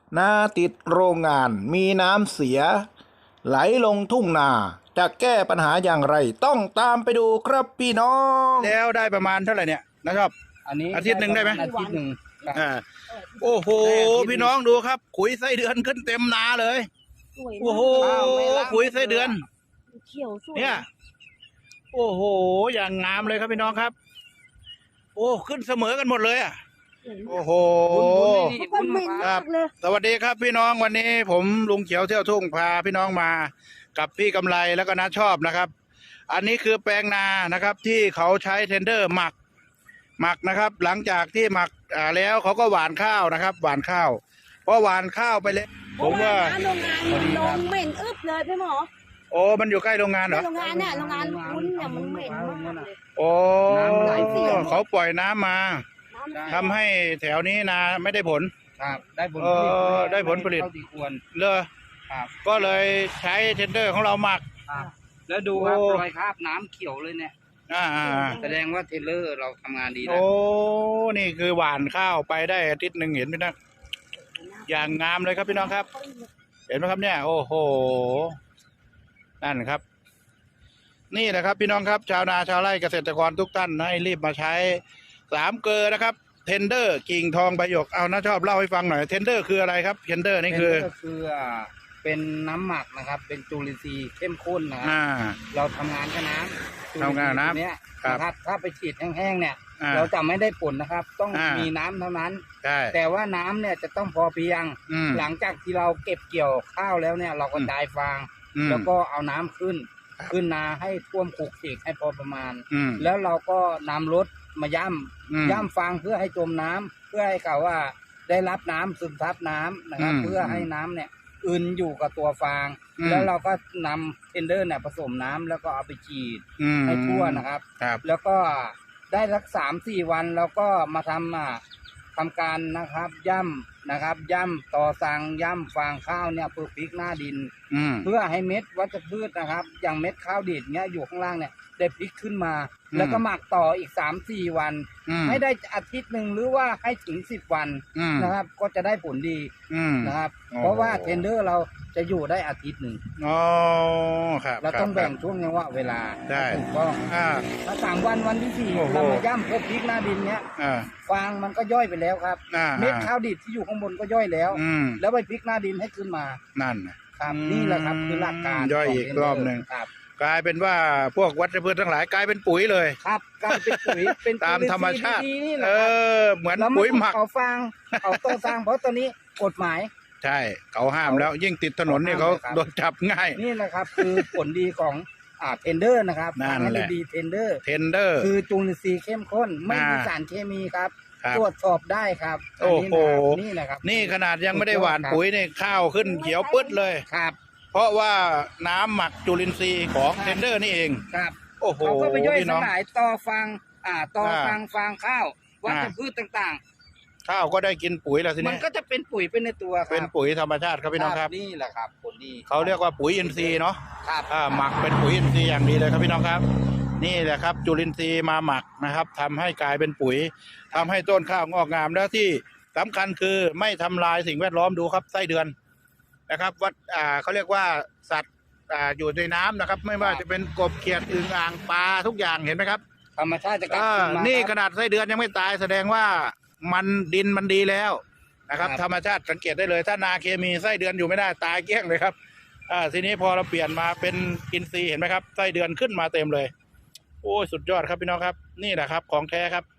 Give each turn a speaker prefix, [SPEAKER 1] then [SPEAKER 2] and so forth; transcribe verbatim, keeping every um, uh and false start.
[SPEAKER 1] นาติดโรงงานมีน้ำเสียไหลลงทุ่งนาจะแก้ปัญหาอย่างไรต้องตามไปดูครับพี่น้องแล้วได้ประมาณเท่าไหร่เนี่ยนะครับ
[SPEAKER 2] อันนี้
[SPEAKER 1] อาทิตย์หนึ่งได้ไหม
[SPEAKER 2] อาทิตย์หนึ่งครับ
[SPEAKER 1] อ่าโอ้โหพี่น้องดูครับขุยไส้เดือนขึ้นเต็มนาเลย
[SPEAKER 3] สวย
[SPEAKER 1] โอ้โห
[SPEAKER 3] มาก
[SPEAKER 1] ขุยไส้เดือน
[SPEAKER 3] เขียวสวย
[SPEAKER 1] เนี่ยโอ้โหอย่างงามเลยครับพี่น้องครับ โอ้ขึ้นเสมอกันหมดเลยอ่ะ
[SPEAKER 3] สวย
[SPEAKER 1] โอ้โห
[SPEAKER 3] ทุกคนเหม็นมากเลย
[SPEAKER 1] สวัสดีครับพี่น้องวันนี้ผมลุงเขียวเที่ยวทุ่งพาพี่น้องมากับพี่กำไรแล้วก็น้าชอบนะครับ อันนี้คือแปลงนานะครับ ที่เขาใช้เทนเดอร์หมักหมักนะครับ หลังจากที่หมักอ่าแล้วเขาก็หว่านข้าวนะครับ หว่านข้าวพอหว่านข้าวไปเลยผมว่า
[SPEAKER 3] โรงงานลงเหม็นอึบเลยพี่หมอ
[SPEAKER 1] โอ้มันอยู่ใกล้โรงงานเหรอ
[SPEAKER 3] โรงงานเนี่ยโรงงานวุ้นเนี่ยมันเหม็นมากเลย
[SPEAKER 1] โอ้
[SPEAKER 2] น้ำไหลเสีย
[SPEAKER 1] เขาปล่อยน้ำมา
[SPEAKER 3] น้ำ
[SPEAKER 1] ทำให้แถวนี้นาไม่ได้ผล
[SPEAKER 2] ครับได้ผล
[SPEAKER 1] เอ
[SPEAKER 2] ผลิต
[SPEAKER 1] อได้ผลผลิต
[SPEAKER 2] เท่าที่ควร
[SPEAKER 1] เลย
[SPEAKER 2] ครับ
[SPEAKER 1] ก็เลยใช้เทนเดอร์ของเราหมัก
[SPEAKER 2] ครับ แล้วดูครับ
[SPEAKER 1] โอ้
[SPEAKER 2] รอยคราบน้ำเขียวเลยเนี่ย
[SPEAKER 1] อ่าอ่า
[SPEAKER 2] แสดงว่าเทเลอร์เราทำงานดีนะ
[SPEAKER 1] โอ้ นี่คือหว่านข้าวไปได้อาทิตย์หนึ่งเห็นไหมนะ อย่างงามเลยครับพี่น้องครับ เห็นไหมครับเนี่ย โอ้โห นั่นครับ นี่แหละครับพี่น้องครับ ชาวนาชาวไร่เกษตรกรทุกท่านให้รีบมาใช้สามเกลอนะครับ เทนเดอร์กิ่งทองใบหยก เอานะชอบเล่าให้ฟังหน่อย เทนเดอร์คืออะไรครับ เทนเดอร์นี่คือ
[SPEAKER 2] เทเลอร์ก็คืออ่าเป็นน้ำหมักนะครับ เป็นจุลินทรีย์เข้มข้นนะครั
[SPEAKER 1] อ่า
[SPEAKER 2] เราทำงานกับน้ำ
[SPEAKER 1] ทำงานกับน้ำ
[SPEAKER 2] จุลิทรีย์ตัวเนี้ย
[SPEAKER 1] ครับ
[SPEAKER 2] นะครับ ถ้าไปฉีดแห้งๆเนี่ย
[SPEAKER 1] อ่า
[SPEAKER 2] เราจะไม่ได้ผลนะครับ ต้องมีน้ำเท่านั้น
[SPEAKER 1] ใช่
[SPEAKER 2] แต่ว่าน้ำเนี่ยจะต้องพอเพียง
[SPEAKER 1] อืม
[SPEAKER 2] หลังจากที่เราเก็บเกี่ยวข้าวแล้วเนี่ย เราก็
[SPEAKER 1] อืม
[SPEAKER 2] ดายฟาง
[SPEAKER 1] อืม
[SPEAKER 2] แล้วก็เอาน้ำขึ้น
[SPEAKER 1] ครับ
[SPEAKER 2] ขึ้นนาให้ท่วมขูกขีกให้พอประมาณ
[SPEAKER 1] อืม
[SPEAKER 2] แล้วเราก็นำรถมาย่
[SPEAKER 1] อืม
[SPEAKER 2] ำย่ำฟางเพื่อให้จมน้ำเพื่อให้เขาว่าได้รับน้ำซึมซับน้ำนะครับ
[SPEAKER 1] อืม
[SPEAKER 2] เพื่อให้น้ำเนี่ยอึนอยู่กับตัวฟาง
[SPEAKER 1] อืม
[SPEAKER 2] แล้วเราก็นำเทนเดอร์เนี่ยผสมน้ำแล้วก็เอาไปฉีด
[SPEAKER 1] อืม
[SPEAKER 2] ให้ทั่วนะครับ
[SPEAKER 1] ครับ
[SPEAKER 2] แล้วก็ได้สักสามสี่วันแล้วก็มาทำอ่ะทำการนะครับย่ำนะครับ ย่ำต่อสั่งย่ำฟางข้าวเนี่ยเพื่อพลิกหน้าดิน
[SPEAKER 1] อืม
[SPEAKER 2] เพื่อให้เม็ดวัชพืชนะครับ อย่างเม็ดข้าวดีดเนี้ยอยู่ข้างล่างเนี่ยได้พลิกขึ้นมา
[SPEAKER 1] อืม
[SPEAKER 2] แล้วก็หมักต่ออีกสามสี่วัน
[SPEAKER 1] อืม
[SPEAKER 2] ให้ได้อาทิตย์หนึ่งหรือว่าให้ถึงสิบวัน
[SPEAKER 1] อืม
[SPEAKER 2] นะครับ ก็จะได้ผลดี
[SPEAKER 1] อืม
[SPEAKER 2] นะครับ
[SPEAKER 1] โอ้
[SPEAKER 2] เพราะว่าเทนเดอร์เราจะอยู่ได้อาทิตย์หนึ่ง
[SPEAKER 1] อ๋อครับ
[SPEAKER 2] เราต้อง
[SPEAKER 1] ค
[SPEAKER 2] แบ่ง
[SPEAKER 1] รับ
[SPEAKER 2] ช่วงจังหวะเวลา
[SPEAKER 1] ได้
[SPEAKER 2] ถูกต้อง
[SPEAKER 1] อ่า
[SPEAKER 2] ถ้าสามวันวันที่สี่
[SPEAKER 1] โอ้โห
[SPEAKER 2] เรามาย่ำเพื่อพลิกหน้าดินเนี้ย
[SPEAKER 1] อ่า
[SPEAKER 2] ฟางมันก็ย่อยไปแล้วครับ
[SPEAKER 1] อ่า
[SPEAKER 2] เม็ดข้าวดีดที่อยู่ข้างบนก็ย่อยแล้ว
[SPEAKER 1] อืม
[SPEAKER 2] แล้วไปพลิกหน้าดินให้ขึ้นมา
[SPEAKER 1] นั่นน่ะ
[SPEAKER 2] ครับ
[SPEAKER 1] อืม
[SPEAKER 2] นี่แหละครับคือหลักการ
[SPEAKER 1] ย่อยอีก
[SPEAKER 2] ขง
[SPEAKER 1] รอบหนึ่ง
[SPEAKER 2] ครับ
[SPEAKER 1] กลายเป็นว่าพวกวัชพืชทั้งหลายกลายเป็นปุ๋ยเลย
[SPEAKER 2] ครับกลายเป็นปุ๋ยเป็น
[SPEAKER 1] ตามธรรมชาติ
[SPEAKER 2] จุลินทรีย์ดีๆนี่แห
[SPEAKER 1] เอ
[SPEAKER 2] ละครับ
[SPEAKER 1] อ เหมือน
[SPEAKER 2] แล้ว
[SPEAKER 1] ปุ๋ยหมัก
[SPEAKER 2] เอาฟางเอาต้นฟางเพราะตอนนี้กฎหมาย
[SPEAKER 1] ใช่ เขาห้ามแล้ว ยิ่งติดถนนนี่
[SPEAKER 2] เขา
[SPEAKER 1] เขา
[SPEAKER 2] ห้ามเลยครับ
[SPEAKER 1] โดนจับง่าย
[SPEAKER 2] นี่แหละครับ คือผลดีของอ่าเทนเดอร์นะครับ
[SPEAKER 1] นั่น
[SPEAKER 2] ฟัง
[SPEAKER 1] แห
[SPEAKER 2] ให้
[SPEAKER 1] ละ
[SPEAKER 2] ดีเทนเดอร์
[SPEAKER 1] เทนเดอร์
[SPEAKER 2] คือจุลินทรีย์เข้มข้น ไม่มี
[SPEAKER 1] อ่า
[SPEAKER 2] สารเคมีครับ
[SPEAKER 1] ครับ
[SPEAKER 2] ตรวจสอบได้ครับ
[SPEAKER 1] โอ้โห
[SPEAKER 2] นนี้นะครับ
[SPEAKER 1] นี่ขนาดยังไม่ได้หว่านปุ๋ยนี่ข้าวขึ้นเขียวปึ๊ดเลย
[SPEAKER 2] ครับ
[SPEAKER 1] เพราะว่าน้ำหมักจุลินทรีย์ของเทนเดอร์นี่เอง
[SPEAKER 2] ครับ
[SPEAKER 1] โอ้โห
[SPEAKER 2] เขาก็ไปย่อย
[SPEAKER 1] พี่
[SPEAKER 2] ส
[SPEAKER 1] น้อง
[SPEAKER 2] ลายต่อฟางอ่าต่อ
[SPEAKER 1] อ่า
[SPEAKER 2] ฟางฟางข้าววัช
[SPEAKER 1] อ่า
[SPEAKER 2] พืชต่าง
[SPEAKER 1] ข้าวก็ได้กินปุ๋ยแล้วที
[SPEAKER 2] ๆ มัน
[SPEAKER 1] นี้
[SPEAKER 2] ก็จะเป็นปุ๋ยเป็นในตัวครับ
[SPEAKER 1] เป็นปุ๋ยธรรมชาติครับพี่น้องครับ
[SPEAKER 2] นี่แหละครับผลดี
[SPEAKER 1] เขาเรียกว่าปุ๋ยอินทรีย์เนาะ
[SPEAKER 2] ครับ
[SPEAKER 1] อ่าหมักเป็นปุ๋ยอินทรีย์อย่างดีเลยครับพี่น้องครับ นี่แหละครับ จุลินทรีย์มาหมักนะครับทำให้กลายเป็นปุ๋ยทำให้ต้นข้าวงอกงามแล้วที่สำคัญคือไม่ทำลายสิ่งแวดล้อมดูครับไส้เดือนนะครับวัดอ่าเขาเรียกว่าสัตว์อ่าอยู่ในน้ำนะครับ ไม่ว่าจะเป็นกบเขียดอึ่งอ่างปลาทุกอย่างเห็นไหมครับ
[SPEAKER 2] ธรรมชาติจะกลับ
[SPEAKER 1] อ่า
[SPEAKER 2] คืนมา
[SPEAKER 1] นี่
[SPEAKER 2] ค
[SPEAKER 1] ข
[SPEAKER 2] รับ
[SPEAKER 1] นาดไส้เดือนยังไม่ตายแสดงว่ามันดินมันดีแล้วนะครับ
[SPEAKER 2] ครับ
[SPEAKER 1] ธรรมชาติสังเกตได้เลย ถ้านาเคมีไส้เดือนอยู่ไม่ได้ตายเกลี้ยงเลยครับอ่าทีนี้พอเราเปลี่ยนมาเป็นอินทรีย์เห็นไหมครับไส้เดือนขึ้นมาเต็มเลย โอ้ยสุดยอดครับพี่น้องครับ นี่แหละครับของแท้ครับ